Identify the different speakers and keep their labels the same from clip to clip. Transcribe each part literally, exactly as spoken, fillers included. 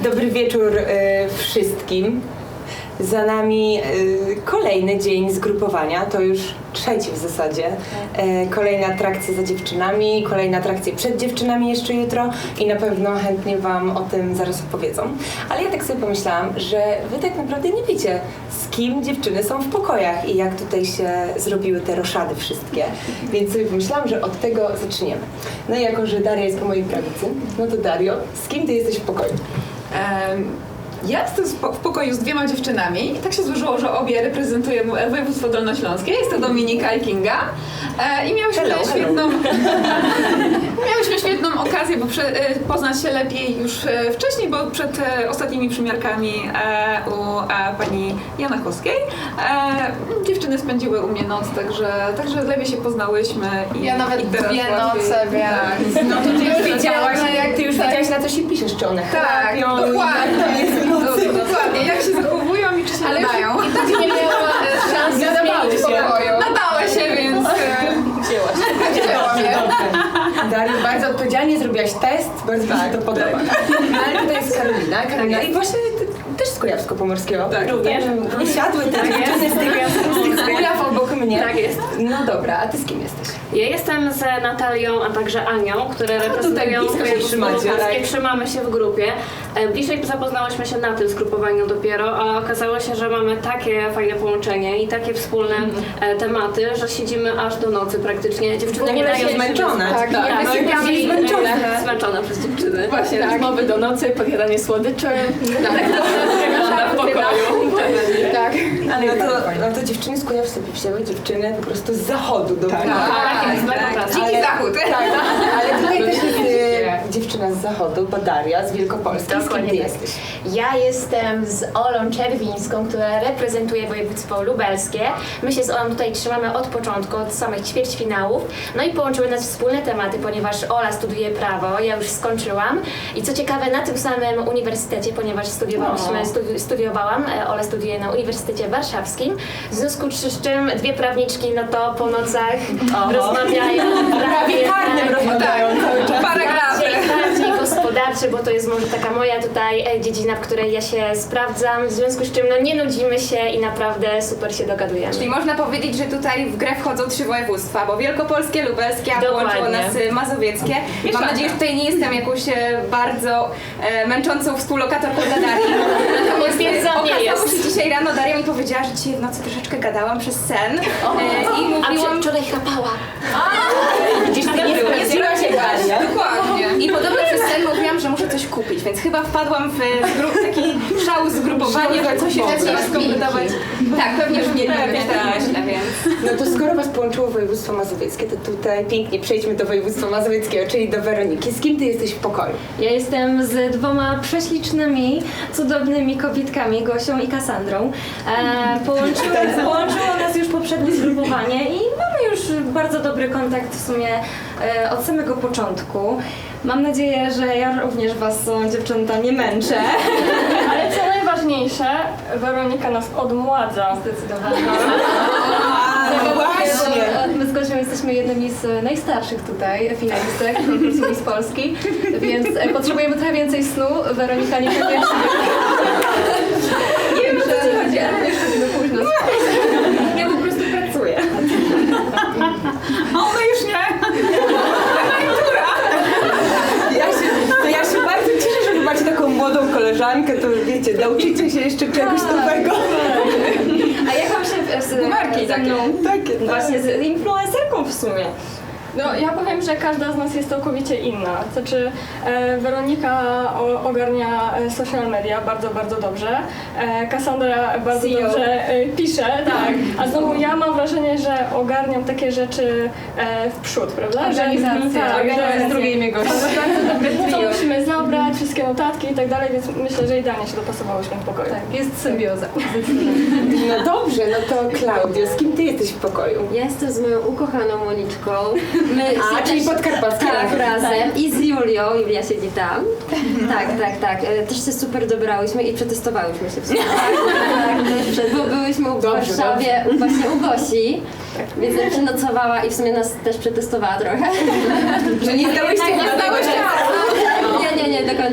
Speaker 1: Dobry wieczór y, wszystkim. Za nami y, kolejny dzień zgrupowania, to już trzeci w zasadzie. Y, kolejne atrakcje za dziewczynami, kolejne atrakcje przed dziewczynami jeszcze jutro i na pewno chętnie Wam o tym zaraz opowiedzą. Ale ja tak sobie pomyślałam, że Wy tak naprawdę nie wiecie, z kim dziewczyny są w pokojach i jak tutaj się zrobiły te roszady wszystkie. Więc sobie pomyślałam, że od tego zaczniemy. No i jako, że Daria jest po mojej prawicy, no to Dario, z kim Ty jesteś w pokoju?
Speaker 2: Um. Ja jestem w pokoju z dwiema dziewczynami i tak się złożyło, że obie reprezentują województwo dolnośląskie. Jest to Dominika i Kinga. E, I miałyśmy
Speaker 1: hello,
Speaker 2: świetną
Speaker 1: hello.
Speaker 2: miałyśmy świetną okazję bo prze, e, poznać się lepiej już e, wcześniej, bo przed e, ostatnimi przymiarkami e, u e, pani Janachowskiej e, dziewczyny spędziły u mnie noc, także, także lepiej się poznałyśmy. I,
Speaker 3: ja nawet
Speaker 2: i teraz
Speaker 3: dwie
Speaker 2: łatwiej,
Speaker 3: noce, więc...
Speaker 2: Tak.
Speaker 1: No to ty już wiedziałaś,
Speaker 3: jak
Speaker 1: ty już
Speaker 3: tak.
Speaker 1: wiedziałaś, na co się piszesz, czy one
Speaker 2: Tak,
Speaker 1: chrapią,
Speaker 2: dokładnie. Dokładnie, jak się zachowują i czy się
Speaker 3: Ale
Speaker 2: nadają.
Speaker 3: i tak nie miała szans
Speaker 1: Nadawały
Speaker 3: zmienić
Speaker 1: się.
Speaker 3: pokoju.
Speaker 2: Nadały się, więc
Speaker 1: wzięłaś.
Speaker 3: Wzięłam je.
Speaker 1: Daria, bardzo odpowiedzialnie zrobiłaś test, bardzo mi się to podoba. Ale tutaj jest Karolina, Karolina i właśnie ty, też z Kujawsko-Pomorskiego.
Speaker 2: Tak,
Speaker 1: również. Nie siadły te dziewczyny z tych, z tych Kujaw obok mnie.
Speaker 4: Tak jest.
Speaker 1: No dobra, a ty z kim jesteś?
Speaker 4: Ja jestem z Natalią, a także Anią, które reprezentują
Speaker 1: blisko się trzymacie, tak?
Speaker 4: Trzymamy się w grupie. E, Bliżej zapoznałyśmy się na tym zgrupowaniu dopiero, ale okazało się, że mamy takie fajne połączenie i takie wspólne e, tematy, że siedzimy aż do nocy praktycznie. Dziewczyny nie dają się
Speaker 1: zmęczone.
Speaker 3: Tak,
Speaker 4: Tak,
Speaker 3: tak.
Speaker 4: no i
Speaker 3: Wysypiamy
Speaker 4: później
Speaker 3: zmęczone.
Speaker 4: e, zmęczone przez dziewczyny.
Speaker 3: Właśnie, tak.
Speaker 5: Rozmowy do nocy, podjadanie słodyczy. Tak, w pokoju.
Speaker 3: Tak.
Speaker 1: Ale no to, no to dziewczyny z Kujaw sobie wzięły dziewczyny po prostu z zachodu do
Speaker 2: Tak.
Speaker 4: Tak, jest
Speaker 2: tak.
Speaker 4: tak.
Speaker 2: Dziki zachód.
Speaker 1: Tak, ale tutaj też jest e, dziewczyna z zachodu, Badaria z Wielkopolski. Z kim ty
Speaker 5: Dokładnie tak.
Speaker 1: jesteś?
Speaker 5: Ja jestem z Olą Czerwińską, która reprezentuje województwo lubelskie. My się z Olą tutaj trzymamy od początku, od samych ćwierćfinałów. No i połączyły nas wspólne tematy, ponieważ Ola studiuje prawo, ja już skończyłam. I co ciekawe, na tym samym uniwersytecie, ponieważ studiowałyśmy, studi studiowałam, Ola studiuje na Uniwersytecie Warszawskim. W związku z czym dwie prawniczki, no to po nocach
Speaker 1: Oho.
Speaker 5: rozmawiają
Speaker 1: Prawie karnym rozmawiają cały czas.
Speaker 2: Paragrafy.
Speaker 5: bardziej, bardziej gospodarczy, bo to jest może taka moja tutaj e, dziedzina, w której ja się sprawdzam, w związku z czym no nie nudzimy się i naprawdę super się dogadujemy.
Speaker 6: Czyli można powiedzieć, że tutaj w grę wchodzą trzy województstwa, bo wielkopolskie, lubelskie, a
Speaker 5: Dokładnie.
Speaker 6: połączyło nas y, mazowieckie. Mam nadzieję, że tutaj nie jestem jakąś e, bardzo e, męczącą współlokatorką dla Darii. Natomiast
Speaker 5: Potwierdzam, nie
Speaker 6: okazało
Speaker 5: jest.
Speaker 6: się dzisiaj rano, Daria mi powiedziała, że dzisiaj w nocy troszeczkę gadałam przez sen e, i
Speaker 5: A
Speaker 6: mówiłam...
Speaker 5: wczoraj chrapała.
Speaker 1: Gdzieś ty nie zgodziła się Daria.
Speaker 6: Dokładnie. I podobno przez sen mówiłam, że muszę coś kupić, więc chyba wpadłam w zgru- taki szał zgrupowania, że coś jeszcze trzeba skompletować. Tak, pewnie już nie
Speaker 1: Pewnie
Speaker 6: wiem, tak
Speaker 1: tak.
Speaker 6: myślę, więc...
Speaker 1: No to skoro was połączyło województwo mazowieckie, to tutaj pięknie przejdźmy do województwa mazowieckiego, czyli do Weroniki. Z kim ty jesteś w pokoju?
Speaker 7: Ja jestem z dwoma prześlicznymi, cudownymi kobietkami, Gosią i Kasandrą. E, połączyło, połączyło nas już poprzednie zgrupowanie i mamy już bardzo dobry kontakt w sumie e, od samego początku. Mam nadzieję, że ja również was, dziewczęta, nie męczę.
Speaker 8: Ale co najważniejsze, Weronika nas odmładza.
Speaker 7: Zdecydowanie.
Speaker 1: No właśnie.
Speaker 7: My z Gosią jesteśmy jednymi z najstarszych tutaj finalistek konkursu Miss Polski, więc e, potrzebujemy trochę więcej snu. Weronika niekoniecznie. Nie wiem, o co ci chodzi, ale jeszcze no późno. Ja po prostu pracuję.
Speaker 2: A ona już nie.
Speaker 1: Ja się, to ja się bardzo cieszę, że wy macie taką młodą koleżankę, to wiecie, nauczycie się jeszcze czegoś nowego.
Speaker 7: A jak wam się z,
Speaker 2: Marki
Speaker 7: ze mną,
Speaker 1: Takie, tak.
Speaker 7: właśnie z influencerką w sumie?
Speaker 8: No, ja powiem, że każda z nas jest całkowicie inna. Znaczy, e, Weronika o, ogarnia e, social media bardzo, bardzo dobrze. E, Cassandra bardzo
Speaker 7: C E O.
Speaker 8: dobrze e, pisze, tak. A znowu ja mam wrażenie, że ogarniam takie rzeczy e, w przód, prawda?
Speaker 7: Organizację.
Speaker 8: Że, tak,
Speaker 7: Organizację.
Speaker 8: że
Speaker 7: Drugie imię gościa.
Speaker 8: bardzo dobre trio. Co musimy zabrać, wszystkie notatki i tak dalej, więc myślę, że idealnie się dopasowałyśmy w pokoju.
Speaker 7: Tak, jest symbioza.
Speaker 1: No dobrze, no to Klaudio, z kim ty jesteś w pokoju?
Speaker 9: Ja jestem z moją ukochaną Moniczką. My
Speaker 1: A,
Speaker 9: się
Speaker 1: czyli
Speaker 9: też-
Speaker 1: podkarpackie
Speaker 9: Tak,
Speaker 1: razem.
Speaker 9: razem. I z Julią. Julia siedzi tam. Tak, tak, tak. E, Też się super dobrałyśmy i przetestowałyśmy się w sumie. Tak, też przed, bo byłyśmy u
Speaker 1: Dobrze,
Speaker 9: Warszawie, u- właśnie u Gosi. Więc jak przynocowała i w sumie nas też przetestowała trochę.
Speaker 1: Że nie zdałyście
Speaker 9: Tak, nie
Speaker 1: do tego
Speaker 9: zdałyście. Nie, nie, nie do końca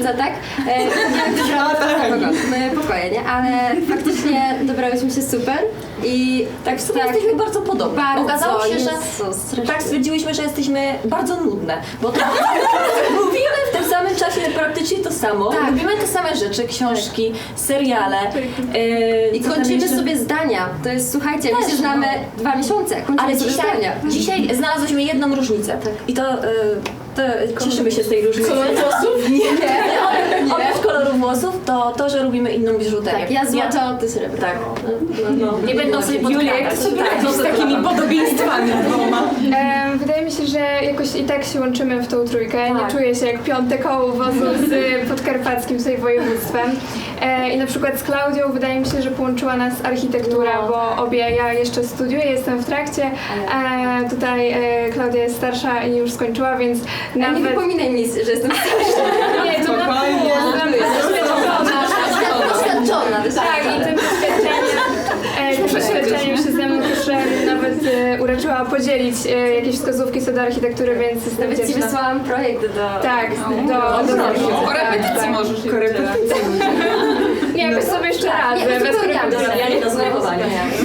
Speaker 9: księdza, tak? E, nie wybrałam e, pokoje, nie? Ale faktycznie dobrałyśmy się super i
Speaker 10: Tak, w sumie jesteśmy bardzo podobne.
Speaker 9: bardzo,
Speaker 10: Okazało się, że
Speaker 9: Jezus, strasznie.
Speaker 10: tak stwierdziłyśmy, że jesteśmy bardzo nudne, bo to mówimy w tym samym czasie praktycznie to samo.
Speaker 9: Tak.
Speaker 10: Lubimy te same rzeczy, książki, seriale. Yy,
Speaker 9: I
Speaker 10: co tam
Speaker 9: kończymy
Speaker 10: jeszcze?
Speaker 9: sobie zdania. To jest, słuchajcie, my
Speaker 10: Też,
Speaker 9: się znamy
Speaker 10: no.
Speaker 9: dwa miesiące, kończymy
Speaker 10: Ale
Speaker 9: sobie
Speaker 10: dzisiaj,
Speaker 9: zdania.
Speaker 10: dzisiaj znalazłyśmy jedną różnicę. I to, yy, to cieszymy się z tej różnicy.
Speaker 8: Kolor włosów?
Speaker 10: Nie, nie. nie. Oprócz kolorów włosów, to to, że lubimy inną biżuterię.
Speaker 9: Tak, ja złoto, a ty srebrno.
Speaker 10: Tak. No, no. Nie będą sobie podkradać. Tak,
Speaker 1: Z takimi podobieństwami dwoma.
Speaker 8: E, wydaje mi się, że jakoś i tak się łączymy w tą trójkę.
Speaker 10: Tak.
Speaker 8: Nie czuję się jak piąte koło wozu z podkarpackim tutaj województwem. E, I na przykład z Klaudią wydaje mi się, że połączyła nas architektura,
Speaker 10: No.
Speaker 8: bo obie, ja jeszcze studiuję, jestem w trakcie. E, tutaj e, Klaudia jest starsza i już skończyła, więc
Speaker 9: Nie
Speaker 8: nawet...
Speaker 9: wypominaj mi, że jestem
Speaker 8: Nie, to
Speaker 1: Spokojnie.
Speaker 9: doświadczona.
Speaker 8: Tak, i tym doświadczeniem, e, tym doświadczeniem się ze mną też e, nawet e, uraczyła podzielić e, jakieś wskazówki co do architektury, więc jestem
Speaker 9: Nawet ci
Speaker 8: wdzięczna.
Speaker 9: wysłałam projekt do...
Speaker 8: Tak, do, do, do, do
Speaker 2: Korepetycji możesz je
Speaker 1: Korepetycji.
Speaker 8: Nie, jakoś sobie jeszcze radzę,
Speaker 9: Nie,
Speaker 8: bez
Speaker 9: uzupełniamy.
Speaker 8: korepetycji.
Speaker 10: do zgrupowania.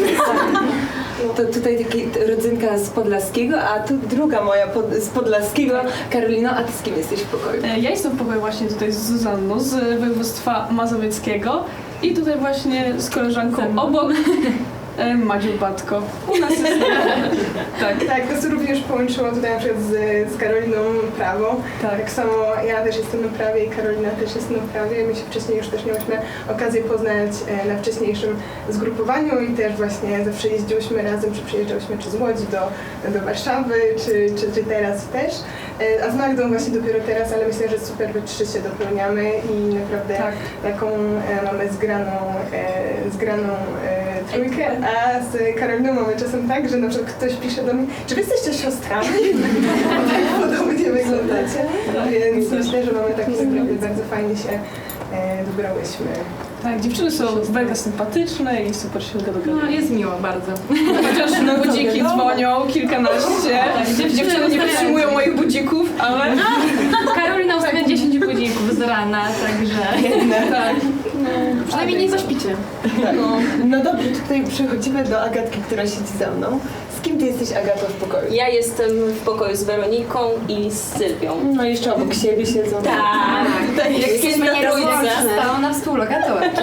Speaker 1: To tutaj taki rodzynka z Podlaskiego, a tu druga moja pod, z Podlaskiego. Karolino, a ty z kim jesteś w pokoju?
Speaker 11: E, Ja jestem w pokoju właśnie tutaj z Zuzanną z województwa mazowieckiego i tutaj właśnie z koleżanką obok e, Madziu Batko. U nas jest tak.
Speaker 12: Tak, nas również połączyło tutaj na przykład z, z Karoliną prawo.
Speaker 11: Tak.
Speaker 12: Tak samo ja też jestem na prawie i Karolina też jest na prawie. My się wcześniej już też miałyśmy okazję poznać e, na wcześniejszym zgrupowaniu i też właśnie zawsze jeździłyśmy razem, czy przyjeżdżałyśmy czy z Łodzi do, do Warszawy, czy, czy, czy teraz też. E, a z Magdą właśnie dopiero teraz, ale myślę, że super we trzy się dopełniamy i naprawdę
Speaker 11: Tak.
Speaker 12: taką e, mamy zgraną, e, zgraną e, trójkę, a z Karoliną mamy czasem tak, że na przykład ktoś pisze do mnie, czy wy jesteście siostrami? Tak podobnie wyglądacie. Więc myślę, że mamy tak naprawdę bardzo fajnie się e, dobrałyśmy.
Speaker 11: Tak, dziewczyny są mega sympatyczne i super się dogadują.
Speaker 6: No, jest miło bardzo.
Speaker 11: Chociaż na budziki dzwonią kilkanaście. Dziewczyny nie wytrzymują moich budzików, ale...
Speaker 6: Karolina ustawia dziesięć budzików z rana, także...
Speaker 11: Tak.
Speaker 6: Przynajmniej nie zaśpicie.
Speaker 1: Tak. No dobrze, tutaj przechodzimy do Agatki, która siedzi za mną. Z kim ty jesteś, Agato, w pokoju?
Speaker 10: Ja jestem w pokoju z Weroniką i z Sylwią.
Speaker 1: No jeszcze obok siebie siedzą.
Speaker 10: Tak,
Speaker 1: Tutaj
Speaker 10: jesteśmy nierozłączne.
Speaker 9: Stała na współlokatorki.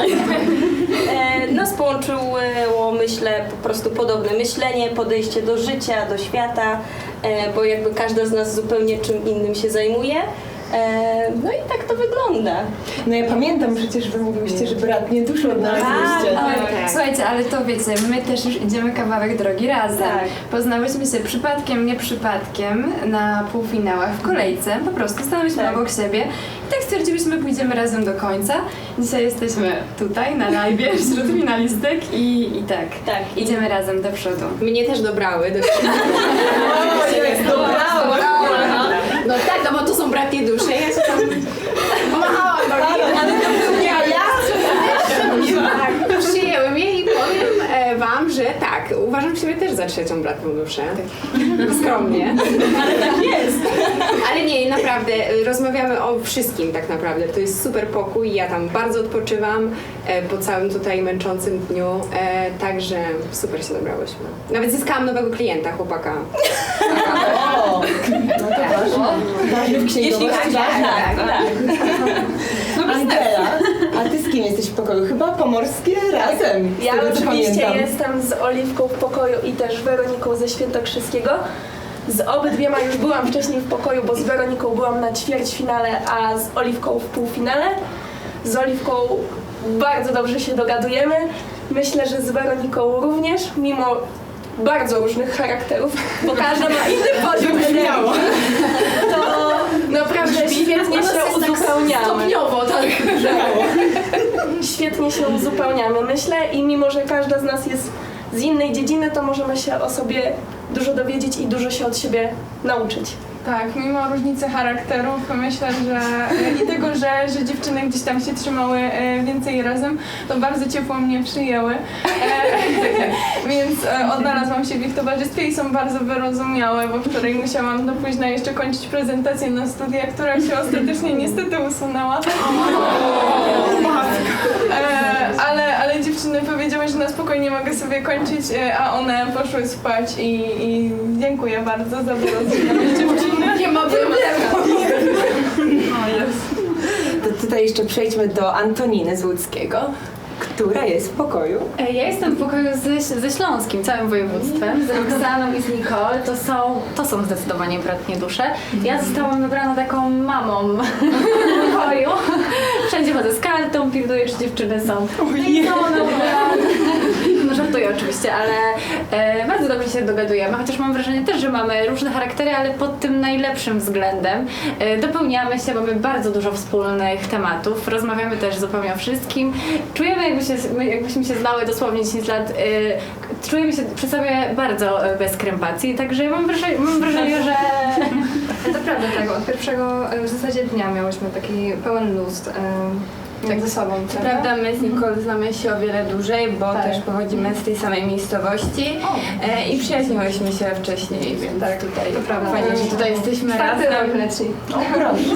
Speaker 10: E, nas połączyło, myślę, po prostu podobne myślenie, podejście do życia, do świata, e, bo jakby każda z nas zupełnie czym innym się zajmuje. E, no i tak to wygląda.
Speaker 1: No ja pamiętam przecież, wy mówiłyście, że brat nie dużo odnaleźliście.
Speaker 6: Tak.
Speaker 3: Słuchajcie, ale to wiecie, my też już idziemy kawałek drogi razem.
Speaker 10: Tak.
Speaker 3: Poznałyśmy się przypadkiem, nie przypadkiem na półfinałach w kolejce. Po prostu stanęłyśmy
Speaker 10: Tak.
Speaker 3: obok siebie i tak stwierdziłyśmy, pójdziemy razem do końca. Dzisiaj jesteśmy tutaj na live wśród finalistek i, i tak,
Speaker 10: Tak, i
Speaker 3: idziemy razem do przodu.
Speaker 6: Mnie też dobrały. Do...
Speaker 1: O, jest dobrała!
Speaker 6: No tak, no bo to są bratnie dusze. Ja się tam pomachałam do nich.
Speaker 1: Ale to był ja, ja?
Speaker 6: Tak, przyjęły mnie i powiem e, wam, że tak, uważam siebie też za trzecią bratną duszę. Tak. Skromnie.
Speaker 10: ale tak jest.
Speaker 6: Ale nie, naprawdę, e, rozmawiamy o wszystkim tak naprawdę. To jest super pokój, ja tam bardzo odpoczywam e, po całym tutaj męczącym dniu, e, także super się dobrałyśmy. Nawet zyskałam nowego klienta, chłopaka.
Speaker 1: O, no to ważne. Ważne w
Speaker 10: Jeśli
Speaker 1: księgowości.
Speaker 10: tak, tak, tak.
Speaker 1: Angela, a ty z kim jesteś w pokoju? Chyba pomorskie razem. z
Speaker 13: Ja
Speaker 1: tego, co
Speaker 13: oczywiście
Speaker 1: pamiętam.
Speaker 13: jestem z Oliwką w pokoju i też Weroniką ze Świętokrzyskiego. Z obydwiema już byłam wcześniej w pokoju, bo z Weroniką byłam na ćwierćfinale, a z Oliwką w półfinale. Z Oliwką bardzo dobrze się dogadujemy. Myślę, że z Weroniką również, mimo bardzo różnych charakterów, bo każda ma inny poziom energii. To naprawdę świetnie się uzupełniamy.
Speaker 6: Stopniowo, tak.
Speaker 13: Świetnie się uzupełniamy, myślę, i mimo, że każda z nas jest z innej dziedziny, to możemy się o sobie dużo dowiedzieć i dużo się od siebie nauczyć.
Speaker 14: Tak, mimo różnicy charakterów myślę, że i tego, że, że dziewczyny gdzieś tam się trzymały e, więcej razem, to bardzo ciepło mnie przyjęły. E, więc e, odnalazłam się w ich towarzystwie i są bardzo wyrozumiałe, bo wczoraj musiałam do późna jeszcze kończyć prezentację na studiach, która się ostatecznie niestety usunęła. E, ale, ale dziewczyny powiedziały, że na spokojnie mogę sobie kończyć, e, a one poszły spać i, i dziękuję bardzo za wyrozumiałe dziewczyny.
Speaker 3: Nie ma problemu.
Speaker 1: To tutaj jeszcze przejdźmy do Antoniny z Łódzkiego, która jest w pokoju.
Speaker 3: Ja jestem w pokoju ze, ze Śląskim, całym województwem, z Roxaną i z Nicole. To są, to są zdecydowanie bratnie dusze. Ja zostałam wybrana taką mamą w pokoju. Wszędzie chodzę z kartą, pilnuję, czy dziewczyny są. No i co, no, no żartuję oczywiście, ale e, bardzo dobrze się dogadujemy, chociaż mam wrażenie też, że mamy różne charaktery, ale pod tym najlepszym względem. E, dopełniamy się, mamy bardzo dużo wspólnych tematów, rozmawiamy też zupełnie o wszystkim. Czujemy, jakby się, jakbyśmy się znały dosłownie dziesięć lat, e, czujemy się przy sobie bardzo bez krępacji, także mam wrażenie, mam wrażenie że...
Speaker 15: To prawda, tak, od pierwszego e, w zasadzie dnia miałyśmy taki pełen luz e, tak ze sobą.
Speaker 16: Co prawda my z Nicole znamy się o wiele dłużej, bo
Speaker 15: tak.
Speaker 16: też pochodzimy z tej samej miejscowości e, i przyjaźniłyśmy się wcześniej, więc tak, tutaj
Speaker 15: to prawda.
Speaker 16: fajnie, że tutaj jesteśmy
Speaker 15: Czwarty
Speaker 16: razem.
Speaker 15: rok leci.
Speaker 1: O, proszę.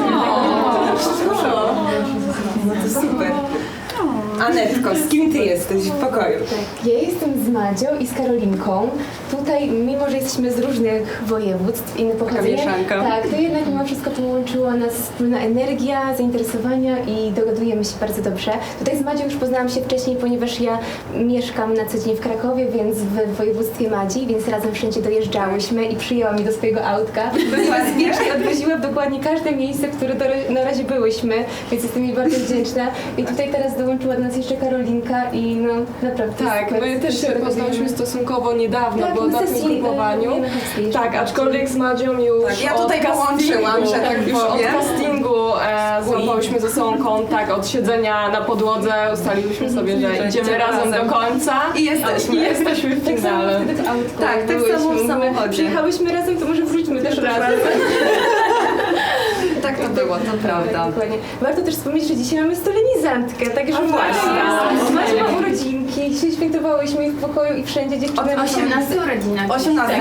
Speaker 1: No to super. Anetko, z kim ty jesteś w pokoju?
Speaker 17: Tak, ja jestem z Madzią i z Karolinką. Tutaj, mimo że jesteśmy z różnych województw, inne pochodzenie, tak, to jednak mimo wszystko połączyła nas wspólna energia, zainteresowania i dogadujemy się bardzo dobrze. Tutaj z Madzią już poznałam się wcześniej, ponieważ ja mieszkam na co dzień w Krakowie, więc w województwie Madzi, więc razem wszędzie dojeżdżałyśmy i przyjęła mnie do swojego autka. Była i odwoziła w dokładnie każde miejsce, w które do, na razie byłyśmy, więc jestem jej bardzo wdzięczna. I tutaj teraz dołączyła do nas jeszcze Karolinka i no naprawdę
Speaker 15: Tak,
Speaker 17: super.
Speaker 15: my też się poznałyśmy stosunkowo niedawno,
Speaker 17: Tak,
Speaker 15: bo na tym
Speaker 17: sesji,
Speaker 15: grupowaniu.
Speaker 17: e,
Speaker 15: Tak, aczkolwiek z Madzią już
Speaker 11: Tak, ja
Speaker 15: od
Speaker 11: tutaj połączyłam,
Speaker 15: castingu-
Speaker 11: że tak
Speaker 15: już od
Speaker 11: powiem.
Speaker 15: castingu e, złapałyśmy ze sobą kontakt, od siedzenia na podłodze ustaliłyśmy sobie, że idziemy razem do końca.
Speaker 11: I jesteśmy.
Speaker 15: I jesteśmy w
Speaker 17: Tak samo
Speaker 15: finale.
Speaker 17: wtedy w autku.
Speaker 1: Tak, tak samo w samochodzie.
Speaker 17: Przyjechałyśmy razem, to może wróćmy też razem.
Speaker 11: Tak to było, to prawda.
Speaker 17: Dokładnie. Warto też wspomnieć, że dzisiaj mamy solenizantkę, także
Speaker 1: właśnie.
Speaker 17: Macie ma urodzinki, dzisiaj świętowałyśmy ich w pokoju i wszędzie dziewczyny.
Speaker 16: osiemnaste urodziny.
Speaker 11: osiemnaste.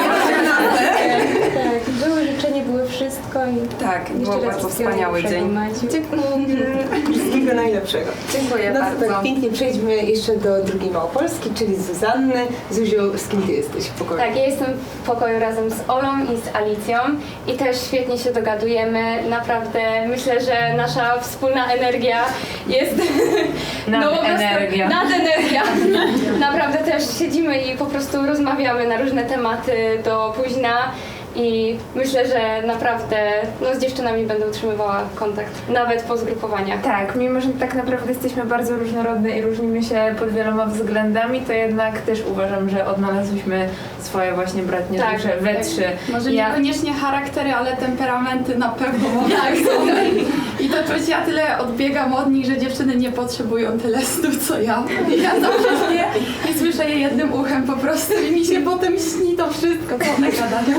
Speaker 17: Tak, były życzenia, było wszystko i
Speaker 11: Tak,
Speaker 17: jeszcze
Speaker 11: było
Speaker 17: raz
Speaker 11: bardzo
Speaker 17: wszystkiego
Speaker 11: wspaniały
Speaker 17: najlepszego,
Speaker 11: dzień.
Speaker 17: Madziu.
Speaker 1: Dziękuję. Wszystkiego najlepszego.
Speaker 11: Dziękuję
Speaker 1: No to
Speaker 11: bardzo.
Speaker 1: tak pięknie przejdźmy jeszcze do drugiej Małopolski, czyli Zuzanny. Zuziu, z kim ty jesteś w pokoju?
Speaker 5: Tak, ja jestem w pokoju razem z Olą i z Alicją i też świetnie się dogadujemy. Naprawdę myślę, że nasza wspólna energia jest...
Speaker 4: Nadenergia.
Speaker 5: Nadenergia. Naprawdę też siedzimy i po prostu rozmawiamy na różne tematy do późna. I myślę, że naprawdę no, z dziewczynami będę utrzymywała kontakt, nawet po zgrupowaniach.
Speaker 18: Tak, mimo że tak naprawdę jesteśmy bardzo różnorodne i różnimy się pod wieloma względami, to jednak też uważam, że odnalazłyśmy swoje właśnie bratnie
Speaker 3: Tak,
Speaker 18: dusze we
Speaker 3: tak.
Speaker 18: trzy.
Speaker 3: Może
Speaker 18: Ja-
Speaker 3: niekoniecznie charaktery, ale temperamenty na pewno tak są. I to czuć, ja tyle odbiegam od nich, że dziewczyny nie potrzebują tyle snów, co ja. Ja zawsze śpię i słyszę je jednym uchem po prostu i mi się potem śni to wszystko, co one gadają.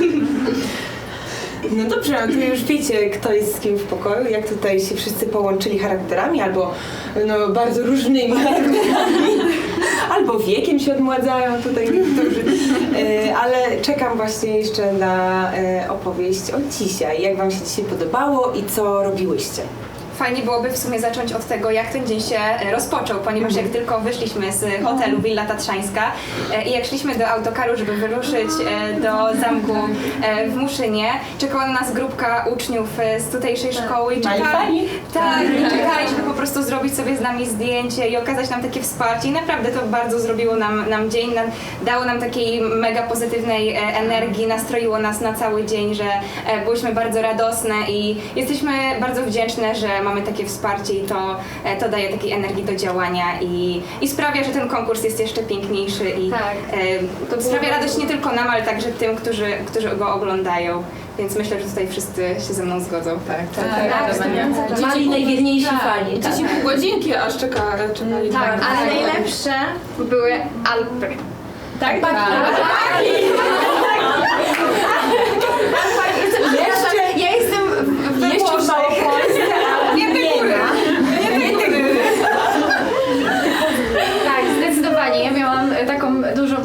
Speaker 1: No dobrze, no to już wiecie, kto jest z kim w pokoju, jak tutaj się wszyscy połączyli charakterami, albo no, bardzo różnymi charakterami, albo wiekiem się odmładzają tutaj niektórzy. E, ale czekam właśnie jeszcze na e, opowieść o dzisiaj. Jak wam się dzisiaj podobało i co robiłyście?
Speaker 2: Fajnie byłoby w sumie zacząć od tego, jak ten dzień się rozpoczął, ponieważ jak tylko wyszliśmy z hotelu Willa Tatrzańska e, i jak szliśmy do autokaru, żeby wyruszyć e, do zamku e, w Muszynie, czekała na nas grupka uczniów e, z tutejszej szkoły i czekali, tak, i czekali, żeby po prostu zrobić sobie z nami zdjęcie i okazać nam takie wsparcie i naprawdę to bardzo zrobiło nam, nam dzień, nam, dało nam takiej mega pozytywnej e, energii, nastroiło nas na cały dzień, że e, byłyśmy bardzo radosne i jesteśmy bardzo wdzięczne, że mamy takie wsparcie i to, e, to daje takiej energii do działania i, i sprawia, że ten konkurs jest jeszcze piękniejszy i
Speaker 5: Tak.
Speaker 2: e, sprawia radość nie tylko nam, ale także tym, którzy, którzy go oglądają. Więc myślę, że tutaj wszyscy się ze mną zgodzą. Tak,
Speaker 5: tak, tak.
Speaker 9: Mali najwierniejsi
Speaker 5: Tak.
Speaker 9: fani. Tak.
Speaker 11: Dzieci pół godzinki aż czeka, czekali.
Speaker 5: Tak, ale najlepsze były Alpy. Tak? Tak.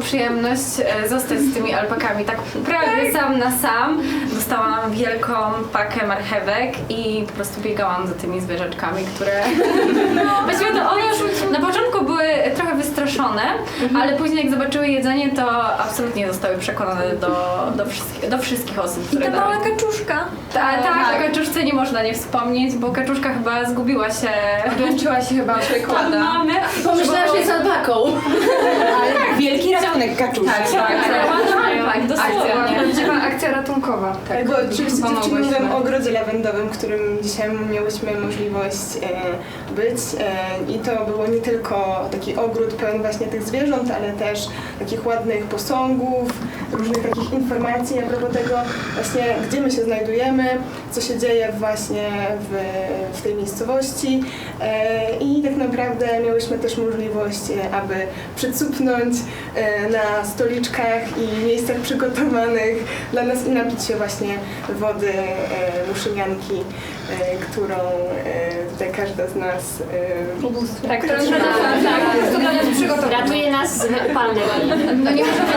Speaker 3: przyjemność e, zostać z tymi alpakami tak prawie sam na sam. Dostałam wielką pakę marchewek i po prostu biegałam za tymi zwierzaczkami, które... Właściwie to one już na początku były trochę wystraszone, ale później jak zobaczyły jedzenie, to absolutnie zostały przekonane do, do, wszystkich, do wszystkich osób, które
Speaker 7: I ta mała
Speaker 3: dały.
Speaker 7: kaczuszka.
Speaker 3: Tak, tak, o kaczuszce nie można nie wspomnieć, bo kaczuszka chyba zgubiła się.
Speaker 16: Odłączyła się chyba od przekłada.
Speaker 3: Mamy.
Speaker 7: Pomyślałam, że jest albaką.
Speaker 1: Ale tak, wielki ratunek kaczuszki.
Speaker 3: Tak, tak, tak, dosłownie.
Speaker 16: Prawdziwa akcja ratunkowa.
Speaker 12: Tak, bo oczywiście dziewczyny
Speaker 16: pomogłyśmy.
Speaker 12: mówią o ogrodzie lawendowym, w którym dzisiaj miałyśmy możliwość e, być e, i to było nie tylko taki ogród pełen właśnie tych zwierząt, ale też takich ładnych posągów, różnych takich informacji a propos tego właśnie, gdzie my się znajdujemy, co się dzieje właśnie w, w tej miejscowości e, i tak naprawdę miałyśmy też możliwość, e, aby przycupnąć e, na stoliczkach i miejscach przygotowanych dla nas i napić się właśnie wody e, muszynianki, e, którą e, tutaj każda z nas e,
Speaker 7: Tak, którą dla nas przygotowała.
Speaker 5: Ratuje nas z upalnej.
Speaker 3: No nie możemy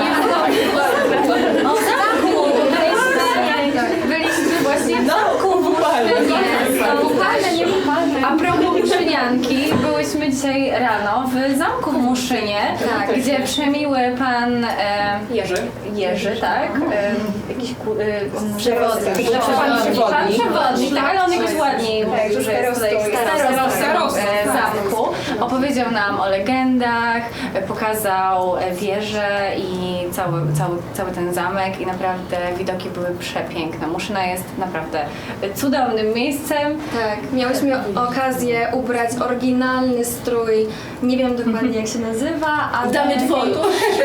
Speaker 3: nie O zamku! Byliśmy właśnie w zamku w Muszynie.
Speaker 7: Upalne, nie upalne.
Speaker 3: A propos Muszynianki, byłyśmy dzisiaj rano w zamku w Muszynie, tak, gdzie przemiły pan e,
Speaker 4: Jerzy.
Speaker 3: Jerzy, tak? E, jakiś ku, e, przewodnik.
Speaker 1: Przewodnik.
Speaker 3: Pan
Speaker 1: Przewodnik.
Speaker 3: przewodnik, tak, ale on jakoś ładniej mówił, że jest tutaj starostą
Speaker 2: Starostą.
Speaker 3: e, zamku. Opowiedział nam o legendach, e, pokazał e, wieżę i cały, cały, cały ten zamek i naprawdę widoki były przepiękne. Muszyna jest naprawdę cudownym miejscem.
Speaker 7: Tak, miałyśmy okazję ubrać oryginalny strój, nie wiem dokładnie jak się nazywa, ale...
Speaker 5: Damy dworu.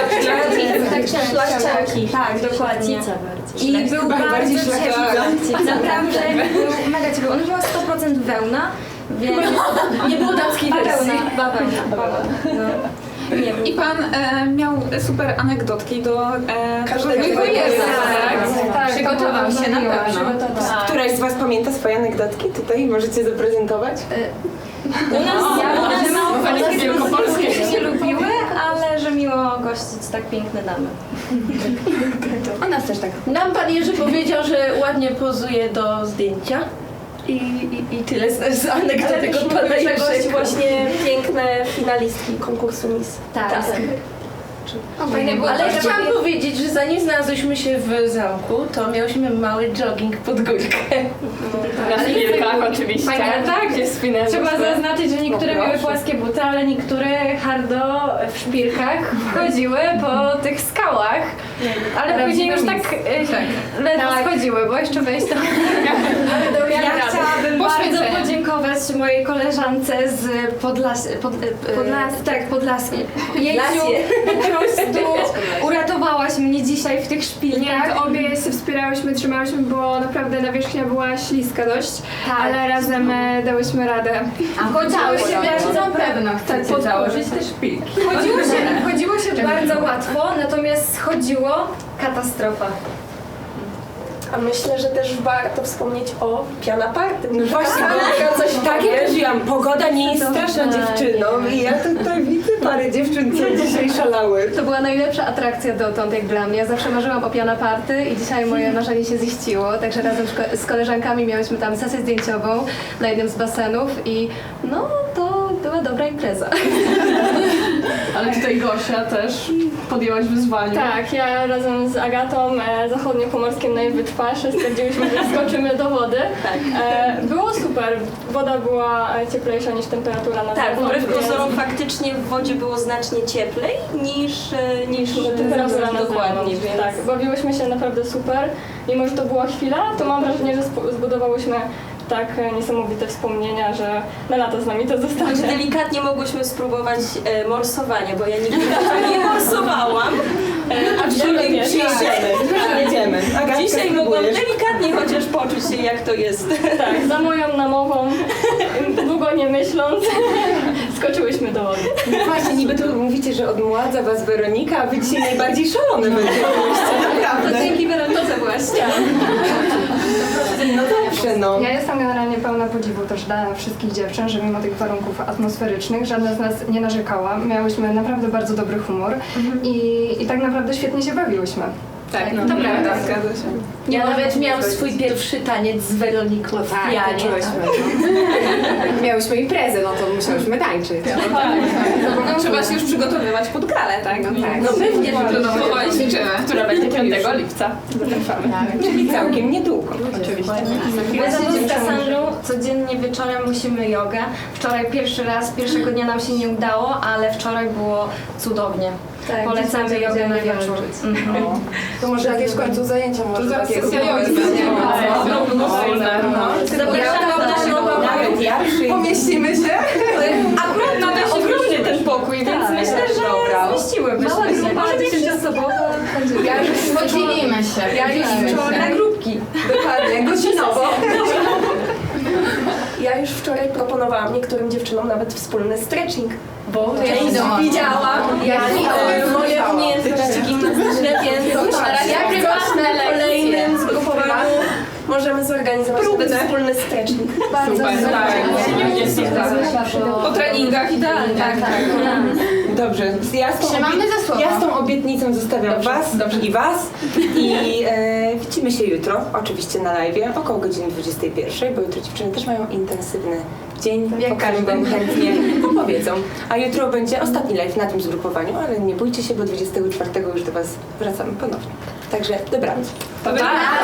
Speaker 7: Szlachcianki. Tak, dokładnie. I był bardzo ciepły. Naprawdę był mega ciepły. On była sto procent wełna, więc...
Speaker 5: Nie było damskiej wersji.
Speaker 7: Bawełna, bawełna. No. Nie wiem.
Speaker 2: I pan e, miał super anegdotki do e,
Speaker 12: Każdego
Speaker 2: tego
Speaker 12: swojego.
Speaker 2: Jerzy,
Speaker 7: Tak, tak.
Speaker 3: Przygotował się na pewno.
Speaker 1: Któraś z was pamięta swoje anegdotki? Tutaj możecie zaprezentować?
Speaker 7: U nas,
Speaker 3: Ja-
Speaker 7: u nas,
Speaker 2: u nas
Speaker 7: u nas
Speaker 2: wielkopolskie.
Speaker 7: się nie lubiły, ale że miło gościć tak piękne damy.
Speaker 16: U nas też tak.
Speaker 5: Nam pan Jerzy powiedział, że ładnie pozuje do zdjęcia. I, i, i tyle z, z anegdotek od pana Jerzego. Właśnie piękne finalistki konkursu Miss.
Speaker 7: Tak.
Speaker 5: tak.
Speaker 7: Fajne było
Speaker 5: Ale
Speaker 7: to, że
Speaker 5: chciałam
Speaker 7: pani-
Speaker 5: powiedzieć, że zanim znalazłyśmy się w zamku, to miałyśmy mały jogging pod górkę.
Speaker 16: Na chwilkach oczywiście.
Speaker 3: Fajne, tak,
Speaker 16: Gdzie spinęłyśmy.
Speaker 3: trzeba zaznaczyć, że niektóre
Speaker 16: No
Speaker 3: miały
Speaker 16: proszę.
Speaker 3: płaskie buty, ale niektóre hardo w szpilkach chodziły po tych skałach, ale później już tak, e, ledwo
Speaker 7: Tak.
Speaker 3: schodziły, bo jeszcze wejść to...
Speaker 7: Ja chciałabym bardzo
Speaker 2: Poświęcenie.
Speaker 7: podziękować mojej koleżance z Podlas... Pod,
Speaker 5: Podlas-
Speaker 7: tak, Podlaski. Jeziu, po prostu uratowałaś mnie dzisiaj w tych szpilkach.
Speaker 8: Nie, to obie się wspierałyśmy, trzymałyśmy, bo naprawdę nawierzchnia była śliska dość,
Speaker 7: Tak.
Speaker 8: ale razem e, dałyśmy radę.
Speaker 7: Chodziło się,
Speaker 16: Na pewno chcecie
Speaker 8: pod-
Speaker 16: założyć te szpilki.
Speaker 7: chodziło się, chodziło się bardzo łatwo, natomiast schodziło katastrofa.
Speaker 13: A myślę, że też warto wspomnieć o piana party.
Speaker 1: No właśnie,
Speaker 13: bo coś
Speaker 1: tak jak mówiłam, pogoda nie jest straszna dziewczyną i ja tutaj widzę parę dziewczyn, co dzisiaj szalały.
Speaker 7: To była najlepsza atrakcja dotąd jak dla mnie. Ja zawsze marzyłam o piana party i dzisiaj moje marzenie się ziściło, także razem z ko- z koleżankami miałyśmy tam sesję zdjęciową na jednym z basenów i no to była dobra impreza.
Speaker 11: Ale tutaj Gosia też podjęłaś wyzwanie.
Speaker 8: Tak, ja razem z Agatą e, zachodniopomorskim na jej wytwarze stwierdziłyśmy, że skoczymy do wody. E, było super, woda była e, cieplejsza niż temperatura na
Speaker 10: Tak,
Speaker 8: zewnątrz,
Speaker 10: wbrew
Speaker 8: więc-
Speaker 10: pozorom faktycznie w wodzie było znacznie cieplej niż, e, niż
Speaker 8: temperatura na
Speaker 10: dokładnie,
Speaker 8: zewnątrz.
Speaker 10: więc...
Speaker 8: Tak, bawiłyśmy się naprawdę super. Mimo, że to była chwila, to mam wrażenie, że spo- zbudowałyśmy tak e, niesamowite wspomnienia, że na lata z nami to zostanie.
Speaker 10: Znaczy, delikatnie mogłyśmy spróbować e, morsowania, bo ja nigdy nie morsowałam. E, aczkolwiek
Speaker 1: Jedziemy.
Speaker 10: dzisiaj,
Speaker 1: Jedziemy. Agatka,
Speaker 10: dzisiaj mogłam
Speaker 1: spróbujesz?
Speaker 10: delikatnie chociaż poczuć się, jak to jest.
Speaker 8: Tak, za moją namową, długo nie myśląc, skoczyłyśmy do wody.
Speaker 1: Właśnie, niby tu mówicie, że odmładza was Weronika, a wy dzisiaj najbardziej szalone będziecie. Naprawdę.
Speaker 7: To dzięki Weronice właśnie.
Speaker 1: No dobrze, no.
Speaker 8: Ja jestem generalnie pełna podziwu też dla wszystkich dziewczyn, że mimo tych warunków atmosferycznych żadna z nas nie narzekała. Miałyśmy naprawdę bardzo dobry humor i, i tak naprawdę świetnie się bawiłyśmy.
Speaker 2: Tak,
Speaker 8: no,
Speaker 2: to prawda.
Speaker 8: zgadza się.
Speaker 19: Ja nawet miałam swój pierwszy taniec z Weroniką w
Speaker 6: Tak,
Speaker 19: pianie.
Speaker 6: tańczyłyśmy. Miałyśmy imprezę, no to musiałyśmy tańczyć.
Speaker 2: No, trzeba się już przygotowywać pod galę, tak?
Speaker 6: No tak.
Speaker 19: No pewnie,
Speaker 2: że no, powoli ćwiczymy.
Speaker 8: Która będzie piątego lipca.
Speaker 1: Tak, czyli całkiem niedługo.
Speaker 8: Oczywiście.
Speaker 7: My z Kassandrą codziennie wieczorem musimy jogę. Wczoraj pierwszy raz, pierwszego dnia nam się nie udało, ale wczoraj było cudownie.
Speaker 8: Tak,
Speaker 7: Polecamy
Speaker 8: dzisiaj
Speaker 7: jogę na
Speaker 8: będziemy
Speaker 7: wieczór. Mhm.
Speaker 13: To może jakieś w końcu zajęcia może
Speaker 2: zaraz
Speaker 13: takiego.
Speaker 2: sesja jogi będzie.
Speaker 7: Zapraszamy na naszą
Speaker 1: Nawet ja przyjdę.
Speaker 13: Pomieścimy się?
Speaker 7: Akurat mamy ogromny ten pokój, więc myślę, że zmieściłybyśmy
Speaker 3: Mała
Speaker 7: się.
Speaker 3: grupa dziesięcioosobowa.
Speaker 13: Ja już
Speaker 3: Podzielimy się.
Speaker 13: Ja już wczoraj
Speaker 7: Na grupki.
Speaker 13: Dokładnie, godzinowo. Ja już wczoraj proponowałam niektórym dziewczynom nawet wspólny stretching, bo ja widziałam, jak e, moje umiejętności gimnastyczne, więc ja prywatne na kolejnym zgrupowaniu możemy zorganizować nawet wspólny stretching.
Speaker 2: Bardzo Po treningach idealnie.
Speaker 7: Tak, tak.
Speaker 1: Dobrze, ja z tą,
Speaker 3: Trzymamy za słowo.
Speaker 1: ja z tą obietnicą zostawiam Was i Was i e, widzimy się jutro, oczywiście na live, około godziny dwudziestej pierwszej, bo jutro dziewczyny też mają intensywny dzień, o którym Wam chętnie opowiedzą. A jutro będzie ostatni live na tym zgrupowaniu, ale nie bójcie się, bo dwudziestego czwartego już do Was wracamy ponownie. Także dobranoc.
Speaker 2: Pa, pa.